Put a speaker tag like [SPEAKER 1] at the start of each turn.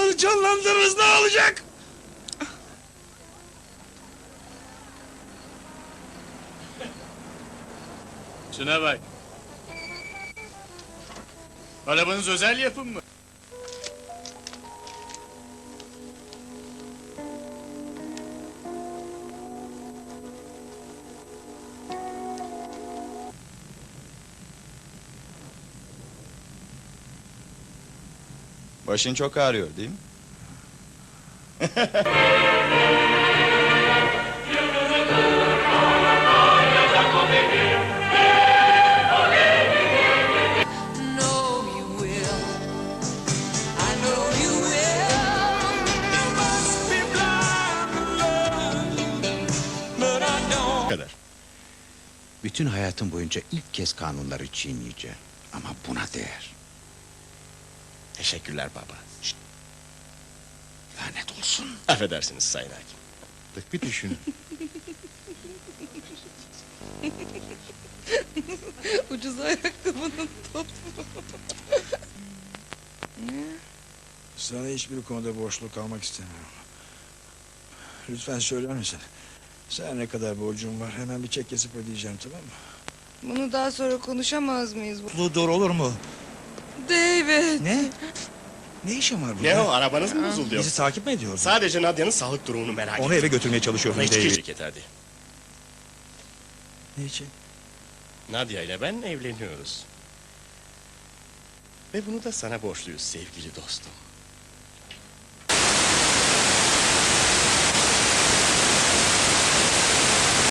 [SPEAKER 1] Anılarımızı canlandırırız, ne olacak?
[SPEAKER 2] Şuna bak. Arabanız özel yapım mı?
[SPEAKER 3] Başın çok ağrıyor değil mi?
[SPEAKER 4] know you will. I know you will. You must be blind to love, but I don't.
[SPEAKER 2] Kadar.
[SPEAKER 5] Bütün hayatım boyunca ilk kez kanunları çiğneyeceğim. Ama buna değer.
[SPEAKER 2] Teşekkürler baba.
[SPEAKER 5] Lanet olsun.
[SPEAKER 2] Affedersiniz Sayın Hakim.
[SPEAKER 5] Bir düşün.
[SPEAKER 6] Ucuz ayakkabının topu.
[SPEAKER 1] Sana hiçbir konuda borçlu kalmak istemiyorum. Lütfen söyler misin? Sana ne kadar borcum var? Hemen bir çek kesip ödeyeceğim, tamam mı?
[SPEAKER 6] Bunu daha sonra konuşamaz mıyız?
[SPEAKER 1] Dur, olur mu?
[SPEAKER 6] David.
[SPEAKER 1] Ne? Ne işin var burada?
[SPEAKER 2] Ne o, arabanız mı bozuldu?
[SPEAKER 1] Bizi takip mi ediyorsun?
[SPEAKER 2] Sadece Nadia'nın sağlık durumunu merak ettim.
[SPEAKER 1] Onu eve götürmeye çalışıyorum
[SPEAKER 2] Hiç
[SPEAKER 1] David.
[SPEAKER 2] şirket hadi.
[SPEAKER 1] Ne için?
[SPEAKER 2] Nadia ile ben evleniyoruz. Ve bunu da sana borçluyuz sevgili dostum.